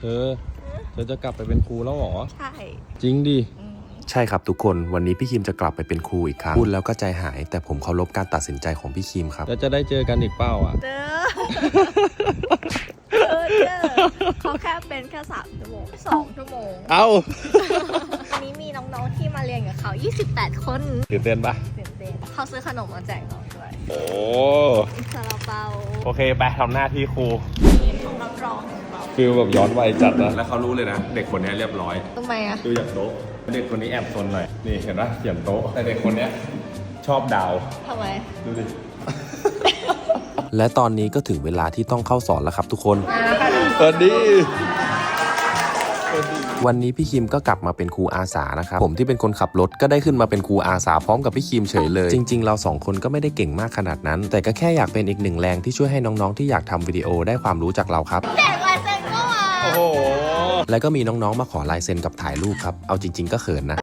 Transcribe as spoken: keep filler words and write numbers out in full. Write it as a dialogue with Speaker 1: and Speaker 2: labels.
Speaker 1: เธอเธอจะกลับไปเป็นครูแล้วหรอ
Speaker 2: ใช่
Speaker 1: จริงดิ
Speaker 3: ใช่ครับทุกคนวันนี้พี่คิมจะกลับไปเป็นครูอีกครั้งพูดแล้วก็ใจหายแต่ผมเคารพการตัดสินใจของพี่คิมครับ
Speaker 1: แล้วจะได้เจอกันอีกเป้าอ่ะ
Speaker 2: เจอเออเจอเขาแค่เป็นแค่สามชั่วโมงสองชั่วโมง
Speaker 1: เอา
Speaker 2: วันนี้มีน้องๆที่มาเรียนกับเขายี่สิบแปดคน
Speaker 1: ตื่นเต้นปะ
Speaker 2: ตื่นเต้นเขาซื้อขนมมาแจกน้องด้วย
Speaker 1: โอ้
Speaker 2: ซาลาเปา
Speaker 1: โอเคไปทำหน้าที่ครู
Speaker 2: ของรับรอง
Speaker 1: ฟิลแบบย้อนวัยจัดนะแล้วเขารู้เลยนะเด็กคนนี้เรียบร้อย
Speaker 2: ทำไมอะ
Speaker 1: ดูจากโต๊ะเด็กคนนี้แอบซนหน่อยนี่เห็นปะเขียนโต๊ะแต่เด็กคนนี้ชอบดาว
Speaker 2: ทำไม
Speaker 1: ดูดิ
Speaker 3: และตอนนี้ก็ถึงเวลาที่ต้องเข้าสอนแล้วครับทุกคน
Speaker 1: สวัสดี
Speaker 3: วันนี้พี่คิมก็กลับมาเป็นครูอาสานะครับผมที่เป็นคนขับรถก็ได้ขึ้นมาเป็นครูอาสาพร้อมกับพี่คิมเฉยเลยจริงๆเราสองคนก็ไม่ได้เก่งมากขนาดนั้นแต่ก็แค่อยากเป็นอีกหนึ่งแรงที่ช่วยให้น้องๆที่อยากทำวิดีโอได้ความรู้จากเราครับ
Speaker 2: แจกลายเซ็นก็มา
Speaker 1: โอ้โห
Speaker 3: และก็มีน้องๆมาขอลายเซ็นกับถ่ายรูปครับเอาจริงๆก็เขินนะ